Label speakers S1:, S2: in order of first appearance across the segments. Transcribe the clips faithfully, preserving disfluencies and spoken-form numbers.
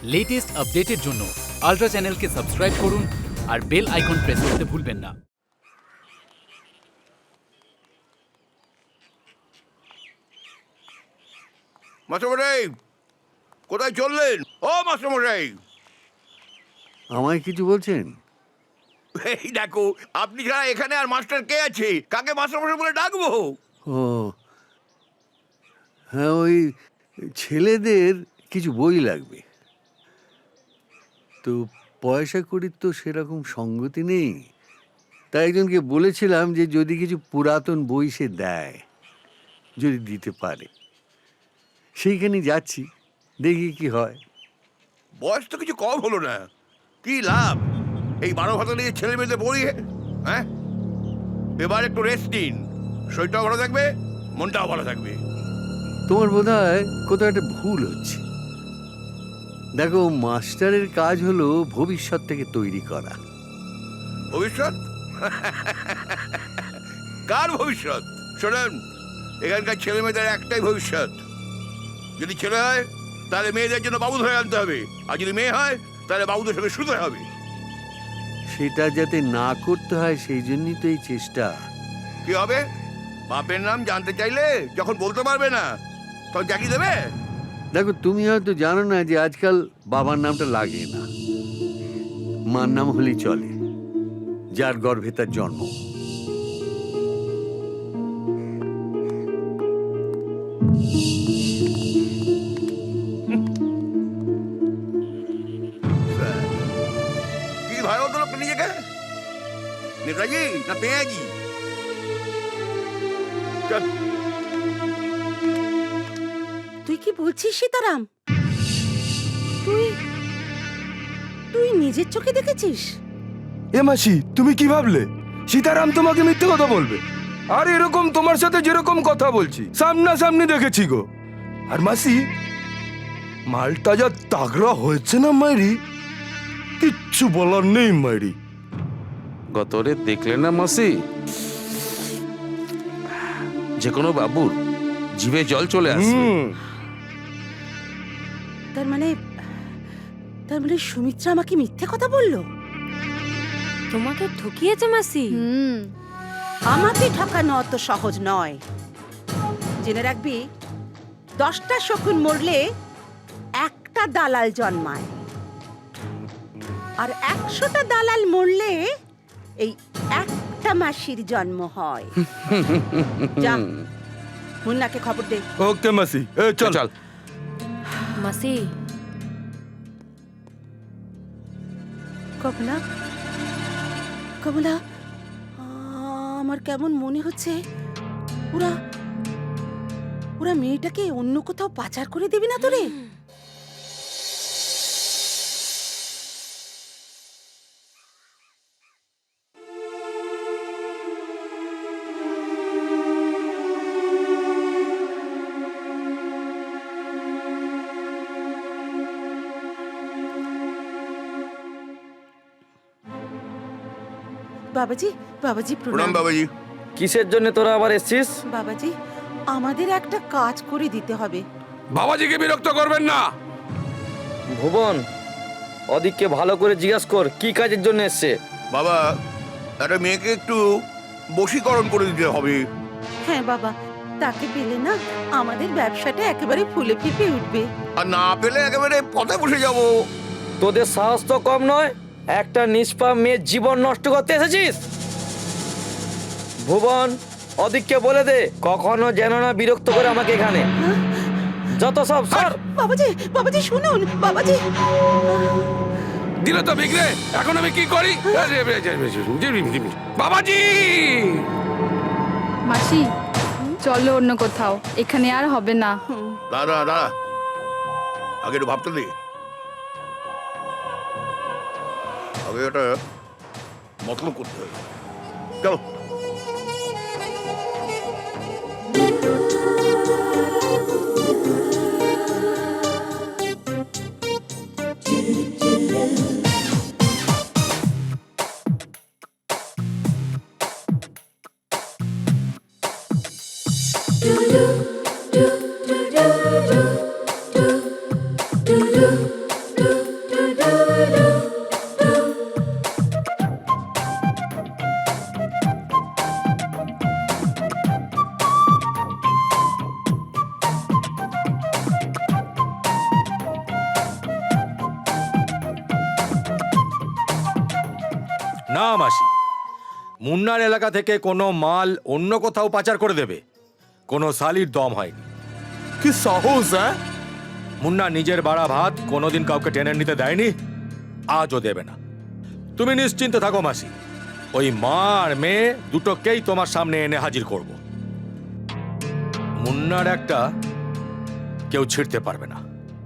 S1: Latest আপডেটের জন্য ultra চ্যানেলকে সাবস্ক্রাইব করুন আর বেল আইকন প্রেস করতে ভুলবেন না।
S2: মাস্টারমশাই, কোথায় চললেন? ও মাস্টারমশাই,
S3: আমায় কিছু বলছেন?
S2: এই দেখো, আপনি ছাড়া এখানে আর মাস্টার কে আছে? কাকে মাস্টারমশাই বলে ডাকবো?
S3: ও হ্যাঁ, ওই ছেলেদের কিছু বই লাগবে। তো পয়সা কড়ির তো সেরকম সঙ্গতি নেই, তাই একজনকে বলেছিলাম যে যদি কিছু পুরাতন বই সে দেয়, যদি দিতে পারে। সেইখানে যাচ্ছি, দেখি কি হয়।
S2: বয়স তো কিছু কম হলো না, কি লাভ এই বারো ভাতা নিয়ে ছেলে মেয়েদের পড়িয়ে? হ্যাঁ, এবার একটু রেস্ট নিন, শরীরটাও ভালো থাকবে, মনটাও ভালো থাকবে।
S3: তোমার বোধ হয় কোথাও একটা ভুল হচ্ছে। দেখো, মাস্টারের কাজ হলো ভবিষ্যৎ থেকে তৈরি করা।
S2: ভবিষ্যৎ? কার ভবিষ্যৎ? শোনেন, এখানকার ছেলে মেয়েদের একটাই ভবিষ্যৎ। যদি ছেলে হয় তাহলে মেয়েদের জন্য বাবু ধরে আনতে হবে, আর যদি মেয়ে হয় তাহলে বাবুদের সঙ্গে শুতে হবে।
S3: সেটা যাতে না করতে হয় সেই জন্যই তো এই চেষ্টা।
S2: কি হবে? বাপের নাম জানতে চাইলে যখন বলতে পারবে না তখন জাকি দেবে?
S3: দেখো, তুমি হয়তো জানো না যে আজকাল বাবার নামটা লাগে না, মার নাম হলেই চলে, যার গর্ভে তার জন্ম।
S2: কি ভাই বলতো লোকটা নিজেকে? নেতাজি না পেঁয়াজি? চল।
S4: তুই কি বলছিস সীতারাম? তুই তুই নিজের চোখে দেখেছিস?
S5: এ মাসি, তুমি কি ভাবলে সীতারাম তোমাকে মিথ্যে কথা বলবে? আর এরকম তোমার সাথে যেরকম কথা বলছি সামনাসামনি দেখেছি গো। আর মাসি, মালটা যা তাগড়া হয়েছে না মাইরি, কিচ্ছু বলার নেই মাইরি।
S6: গতরে দেখলে না মাসি, যে কোনো বাবুর জিভে জল চলে আসবে।
S5: হুম,
S4: তার মানে তার মানে সুমিত্রা আমাকে মিথ্যে কথা বললো?
S7: তোমাকে ঠকিয়েছে মাসি।
S8: হুম,
S4: আমাকে ঠকানো অত সহজ নয়। জেনে রাখবি, দশটা শকুন মরলে একটা দালাল জন্মায়, আর একশোটা দালাল মরলে এই একটা মাসির জন্ম হয়। যা, মুন্নাকে খবর দে।
S5: ওকে মাসি, এ চল
S6: চল।
S7: মাসি,
S4: কমলা, কমলা, আমার কেমন মনে হচ্ছে ওরা ওরা মেয়েটাকে অন্য কোথাও পাচার করে দেবে না তোরে? বাবাজি, বাবাজি
S2: প্রণাম
S4: প্রণাম।
S2: বাবাজি।
S9: কিসের জন্য তোরা আবার এসছিস?
S4: বাবাজি, আমাদের একটা কাজ করে দিতে হবে।
S6: বাবাজিকে বিরক্ত করবেন না।
S9: ভুবন, অদিককে ভালো করে জিজ্ঞাসা কর কি কাজের জন্য এসছে।
S2: বাবা, একটা মেয়েকে একটু বশীকরণ করে দিতে হবে।
S4: হ্যাঁ বাবা, তাকে পেলে না আমাদের ব্যবসাটা একেবারে ফুলে ফেঁপে উঠবে।
S2: আর না পেলে একেবারে পথে বসে যাব।
S9: তোদের সাহস তো কম নয়, একটা নিষ্পাপ মেয়ের জীবন নষ্ট করতে এসেছিস। ভুবন, অদিককে বলে দে কখনো যেন না বিরক্ত করে আমাকে এখানে। যত সব সর।
S4: বাবাজি, বাবাজি শুনুন, বাবাজি।
S6: দিলে তো বিগড়ে, এখন আমি কি করি? বাবাজি,
S8: মাসি চলো অন্য কোথাও, এখানে আর হবে না।
S2: দাঁড়া দাঁড়া, আগে একটু ভাবতে দে। আগে এটা মতলব করতে হবে। চলো।
S10: do do do do do do do do
S5: না মাসি, মুন্নার এলাকা থেকে কোনো মাল অন্য কোথাও পাচার করে দেবে কোনো সালির দম হয়নি।
S10: কি সাহস! হ্যাঁ,
S5: মুন্না নিজের বাড়া ভাত কোনোদিন কাউকে টেনে নিতে দেয়নি, আজও দেবে না। তুমি নিশ্চিন্তে থাকো মাসি, ওই মা আর মেয়ে দুটোকেই তোমার সামনে এনে হাজির করব। মুন্নার একটা কেউ ছিঁড়তে পারবে না।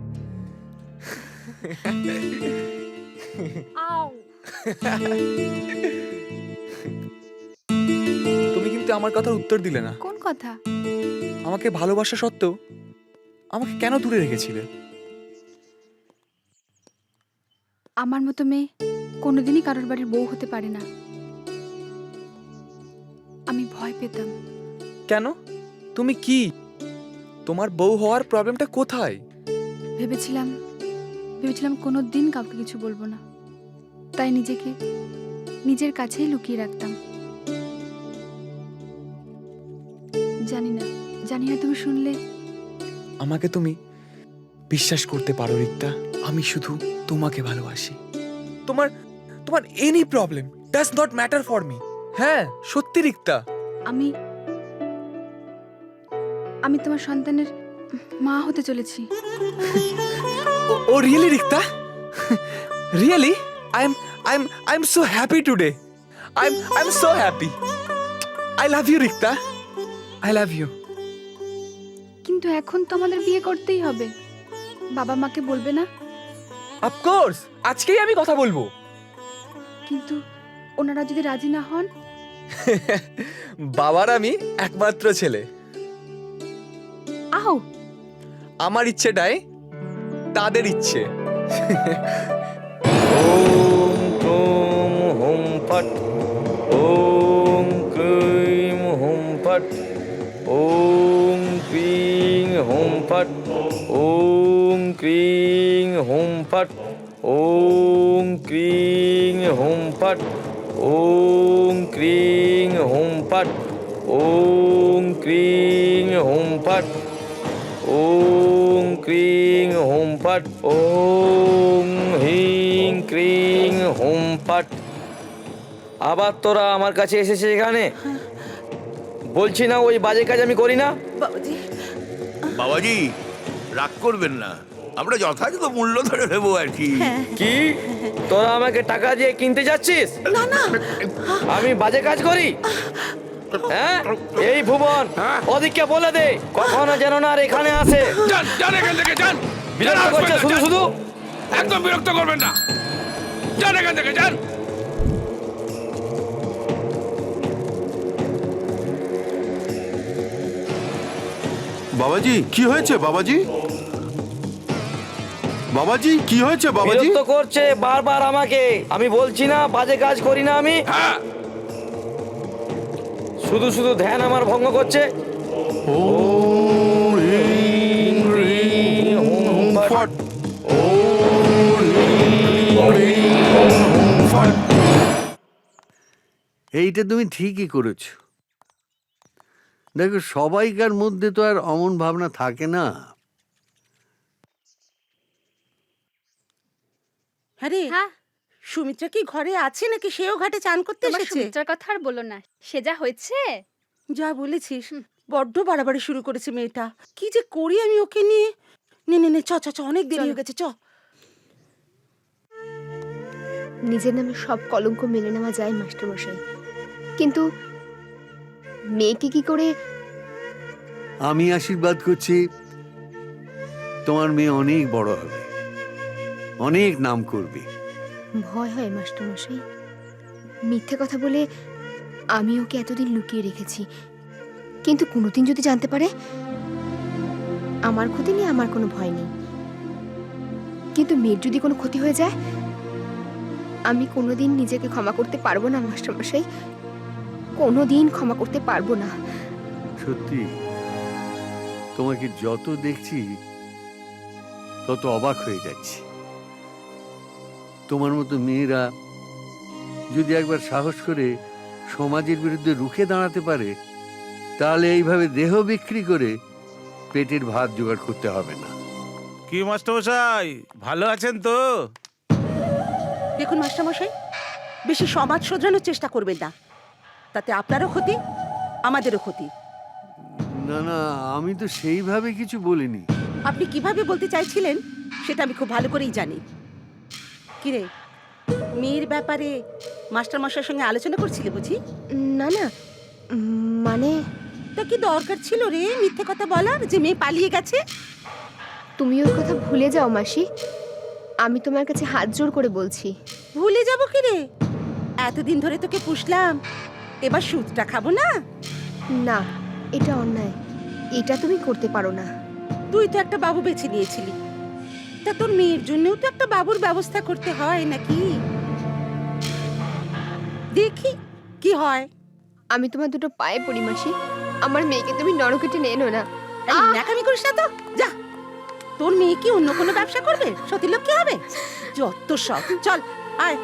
S10: তুমি কিন্তু আমার কথার উত্তর দিলে না।
S8: কোন কথা?
S10: আমাকে ভালোবাসা সত্ত্বেও আমাকে কেন দূরে রেখেছিলে?
S8: আমার মতো মেয়ে কোনোদিনই কারোর বাড়ির বউ হতে পারে না। আমি ভয় পেতাম।
S10: কেন? তুমি কি, তোমার বউ হওয়ার প্রবলেমটা কোথায়?
S8: ভেবেছিলাম ভেবেছিলাম কোনো দিন কাউকে কিছু বলবো না, তাই নিজেকে নিজের কাছেই লুকিয়ে রাখতাম। জানি না জানি না তুমি শুনলে।
S10: আমাকে তুমি বিশ্বাস করতে পারো রিক্তা, আমি শুধু তোমাকে ভালোবাসি। তোমার তোমার any problem does not matter for me. হ্যাঁ সত্যি রিক্তা।
S8: আমি আমি তোমার সন্তানের মা হতে চলেছি।
S10: Oh really Rikta? Really? I am I am I am so happy today. I am I am so happy. I love you Rikta, I love you.
S8: কিন্তু এখন তো আমাদের বিয়ে করতেই হবে। বাবা মাকে বলবে না?
S10: অফকোর্স, আজকেই আমি কথা বলবো।
S8: কিন্তু ওনারা যদি রাজি না হন?
S10: বাবার আমি একমাত্র ছেলে।
S8: আও,
S10: আমার ইচ্ছেটাই তাদের ইচ্ছে।
S9: ওম ক্রোম হোম ফট, ওম ক্রিম হোম ফট, ওম ক্রিং হোম ফট, ওম ক্রিং হোম ফট, ওম ক্রিং হোম ফট, ওম ক্রিং হোম ফট, ওম ক্রিং হোম ফট, ওম ক্রিং হোম ফট, ওম হিং ক্রিং হোম ফট। আবার তোরা আমার কাছে এসেছে এখানে? বলছি না ওই বাজে কাজ আমি করি না?
S4: বাবাজি,
S2: বাবাজি রাগ করবেন না, আমরা যথাযথ মূল্য ধরে নেবো আর কি।
S9: কি তোরা আমাকে টাকা দিয়ে কিনতে যাচ্ছিস?
S4: না না,
S9: আমি বাজে কাজ করি? হ্যাঁ, এই ভুবন ওদিকে বলে দে কখনো যেন না আর এখানে আসে।
S2: যান যান এখান থেকে যান,
S9: বিরক্ত করছে শুধু শুধু।
S2: একদম বিরক্ত করবেন না, যান এখান থেকে যান।
S11: বাবাজি কি হয়েছে বাবাজি? বাবাজি কি হয়েছে বাবাজি?
S9: বিরক্ত করছে বারবার আমাকে। আমি বলছি না বাজে কাজ করি না আমি।
S2: হ্যাঁ,
S9: শুধু শুধু ধ্যান আমার ভঙ্গ করছে।
S11: ওম হ্রিং হ্রিং হোম ফট, ওম হ্রিং হ্রিং হোম ফট।
S3: এইটা তুমি ঠিকই করেছো। দেখো, সবাইকার মধ্যে তো আর অমন ভাবনা থাকে না।
S4: হ্যাঁ রে,
S8: হ্যাঁ,
S4: সুমিত্রা কি ঘরে আছে নাকি সেও ঘাটে চান করতে
S8: তোমার
S4: এসেছে?
S8: সুমিত্রার কথা আর বলো না, সে যা হয়েছে।
S4: যা বলেছিস, বড্ড বাড়াবাড়ি শুরু করেছে মেয়েটা। কি যে করি আমি ওকে নিয়ে। নে নে নে, চ চ চ, অনেক দেরি হয়ে গেছে, চ।
S12: নিজের নামে সব কলঙ্ক মেনে নেওয়া যায় মাস্টারমশাই, কিন্তু মেয়েকে কি করে?
S3: আমি আশীর্বাদ করছি, তোমার মেয়ে অনেক বড় হবে, অনেক নাম করবে।
S12: ভয় হয় মাস্টারমশাই, মিথ্যে কথা বলে আমি ওকে এতদিন লুকিয়ে রেখেছি, কিন্তু কোনোদিন যদি জানতে পারে, আমার ক্ষতি নিয়ে আমার কোনো ভয় নেই, কিন্তু মেয়ের যদি কোনো ক্ষতি হয়ে যায়, আমি কোনোদিন নিজেকে ক্ষমা করতে পারবো না মাস্টারমশাই, কোনোদিন ক্ষমা করতে পারবো না।
S3: সত্যি, তোমাকে যত দেখছি তত অবাক হয়ে যাচ্ছি। তোমার মতো মেয়েরা যদি একবার সাহস করে সমাজের বিরুদ্ধে রুখে দাঁড়াতে পারে, তাহলে এইভাবে দেহ বিক্রি করে পেটের ভাত জোগাড় করতে হবে না।
S6: কি মাস্টারমশাই, ভালো আছেন তো?
S4: দেখুন মাস্টারমশাই, বেশি সমাজ শোধরানোর চেষ্টা করবেন না, তাতে আপনারও ক্ষতি আমাদেরও ক্ষতি।
S3: না না, আমি তো সেইভাবে কিছু বলিনি।
S4: আপনি কিভাবে বলতে চাইছিলেন সেটা আমি খুব ভালো করেই জানি। কিরে, মেয়ের ব্যাপারে মাস্টার মশাইয়ের সঙ্গে আলোচনা করছিলে বুঝি?
S12: না না, উম, মানে
S4: তা কি দরকার ছিল রে মিথ্যে কথা বলার যে মেয়ে পালিয়ে গেছে?
S12: তুমি ওর কথা ভুলে যাও মাসি, আমি তোমার কাছে হাত জোড় করে বলছি।
S4: ভুলে যাব কি রে? এতদিন ধরে তোকে পুষলাম, এবার সুদটা খাবো না?
S12: না, এটা অন্যায়, এটা তুমি করতে পারো না।
S4: তুই তো একটা বাবু বেছে নিয়েছিলি, তা তোর মেয়ের জন্যও তো একটা বাবুর ব্যবস্থা করতে হয় নাকি? দেখি কি হয়।
S12: আমি তোমার দুটো পায়ে পড়ি মাসি, আমার মেয়েকে তুমি নরকে টেনে এনো না।
S4: এই ন্যাকামি করিস না তো, যা। তোর মেয়ে কি অন্য কোনো ব্যবসা করবে? সতীলোক কি হবে? যত সব, চল আয়।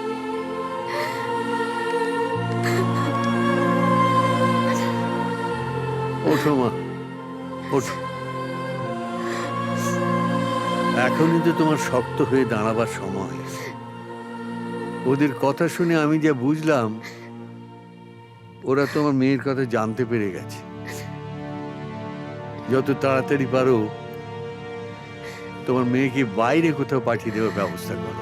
S3: ওঠো মা, ওঠো। এখনই তো তোমার শক্ত হয়ে দাঁড়াবার সময়। ওদের কথা শুনে আমি যা বুঝলাম, ওরা তোমার মেয়ের কথা জানতে পেরে গেছে। যত তাড়াতাড়ি পারো তোমার মেয়েকে বাইরে কোথাও পাঠিয়ে দেওয়ার ব্যবস্থা করো।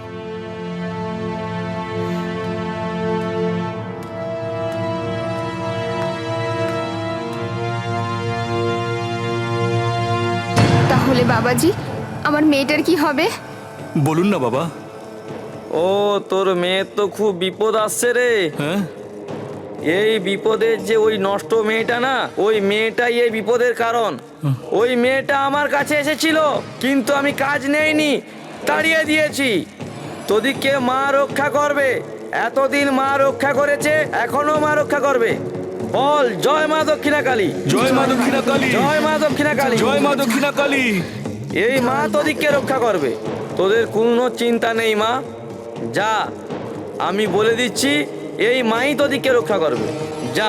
S12: তাহলে বাবাজি, আমার মেয়েটার কি হবে?
S10: বলুন না বাবা।
S9: ও তোর মেয়ের তো খুব বিপদ আসছে রে।
S10: হ্যাঁ,
S9: এই বিপদের যে ওই নষ্ট মেয়েটা না, ওই মেয়েটাই এই বিপদের কারণ। ওই মেয়েটা আমার কাছে এসেছিল, কিন্তু আমি কাজ নেইনি, তাড়িয়ে দিয়েছি। তোদিকে মা রক্ষা করবে, এতদিন মা রক্ষা করেছে, এখনো মা রক্ষা করবে। বল জয় মা দক্ষিণা কালী,
S5: জয় মা দক্ষিণা কালী,
S9: জয় মা দক্ষিণা কালী,
S5: জয় মা দক্ষিণা কালী।
S9: এই মা তোদিকে রক্ষা করবে, তোদের কোনো চিন্তা নেই মা। যা, আমি বলে দিচ্ছি, এই মাই তোদিকে রক্ষা করবে, যা।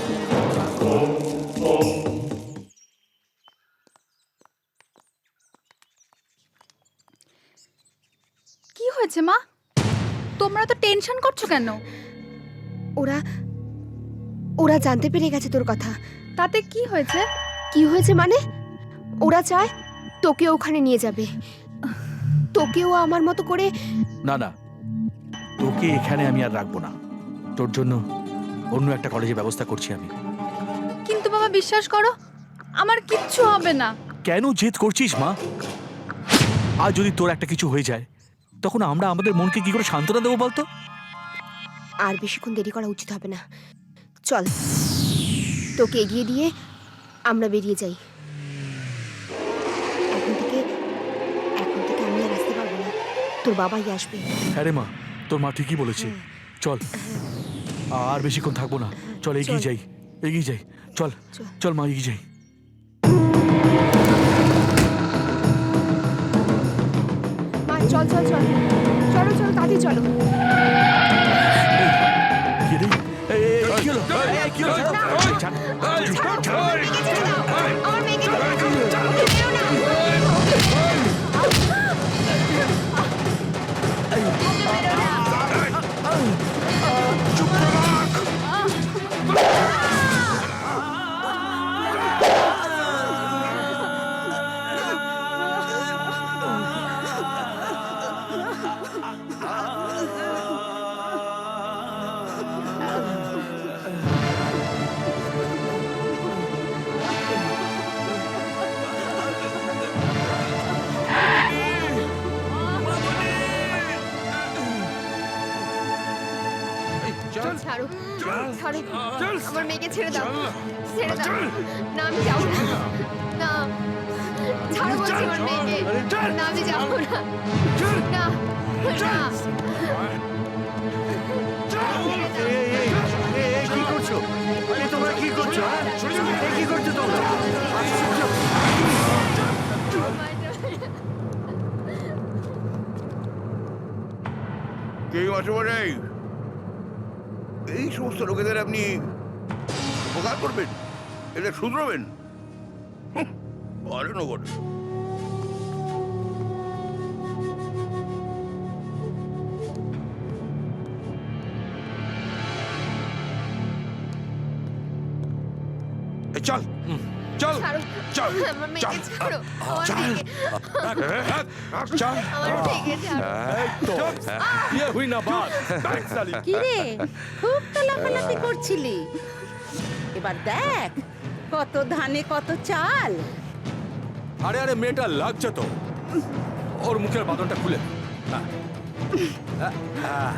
S8: কি হয়েছে মা? তোমরা তো টেনশন করছো কেন?
S12: ওরা ওরা জানতে পেরে গেছে তোর কথা।
S8: তাতে কি হয়েছে?
S12: কি হয়েছে মানে? ওরা চায় তোকে ওখানে নিয়ে যাবে, তোকেও আমার মতো করে।
S13: না না, তোকে এখানে আমি আর রাখবো না, তোর জন্য অন্য একটা কলেজে ব্যবস্থা করছি আমি।
S8: কিন্তু বাবা বিশ্বাস করো, আমার কিচ্ছু হবে না।
S13: কেন জেদ করছিস মা? আর যদি তোর একটা কিছু হয়ে যায়, তখন আমরা আমাদের মনকে কি করে সান্ত্বনা দেবো বলতো?
S12: আর বেশিক্ষণ দেরি করা উচিত হবে না, চল তোকে এগিয়ে দিয়ে আমরা বেরিয়ে যাই। এখন থেকে এখন থেকে আমি আর আসতে পারবো না, তোর বাবাই আসবে।
S13: হ্যাঁ রে মা, তোর মা ঠিকই বলেছে। চল, আর বেশিক্ষণ থাকবো না, চল এগিয়ে যাই, এগিয়ে যাই, চল চল মা, এগিয়ে যাই।
S12: মা চল চল চল, চলো চলো তাড়াতাড়ি চলো।
S13: কি রে? এই, এই, এই, কি হলো? এই, এই, কি হলো? ছাড়, ছাড়, ছাড়।
S12: আমার মেয়েকে ছেড়ে দাও, ওকে মেরো না। ছাড়ো ছাড়ো, আমার মেয়েকে ছেড়ে দাও, ছেড়ে দাও। না আমি যাবো না, না ছাড়ো বলছি আমার মেয়েকে, না আমি যাবো না, না না।
S3: কি করছো? তোমরা কি করছো? কি করছো তোমরা?
S2: কে মাস্টারমশাই, এই সমস্ত লোকেদের আপনি উপকার করবেন, এটা শুধরাবেন? পারেন বটে।
S6: চল চল
S12: ছাড়ো
S6: চল
S12: আমার মেয়েকে ছাড়ো আমার
S6: চল
S12: মেয়েকে
S6: চল
S12: আমার মেয়েকে ছাড়ো
S13: এই তো ইয়ে হুই না বাত
S4: কি রে খুব তো লাফালাফি করছিলি এবার দেখ কত ধানে কত চাল।
S13: আরে আরে মেয়েটা লাগছে তো ওর মুখের বাঁধনটা খুলে হ্যাঁ। আহ,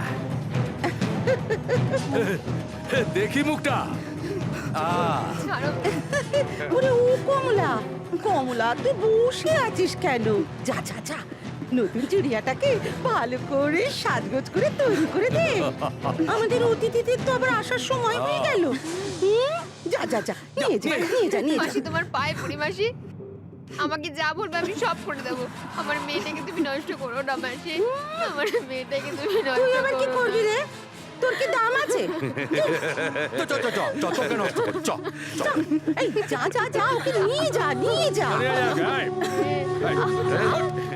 S13: আহ। দেখি মুখটা আহ
S12: ছাড়ো
S4: ওরে ও কমলা কমলা তুই বসে আছিস কেন? যা যা যা নতুন চুড়িয়াটাকে ভালো করে সাজগোজ করে তৈরি করে দে। আমাদের অতিথিদের তো আবার আসার সময় হয়ে গেল। হুম, যা যা যা নিয়ে যা নিয়ে যা নিয়ে
S12: মাসি
S4: যা।
S12: তোমার পায়ে পড়ি মাসি আমাকে যা বলবে আমি সব করে দেবো আমার মেয়েটাকে তুমি নষ্ট করো না মাসি আমার মেয়েটাকে তুমি
S4: তুই
S12: নষ্ট
S4: আবার কি
S12: করো
S4: করবি রে? তোর কি দাম আছে?
S13: চ চ চ চ চ তোকে নষ্ট কর চ চ
S4: এই যা যা যা ওকে নিয়ে যা নিয়ে যা।
S13: আরে আরে আরে, এই, এই, এই,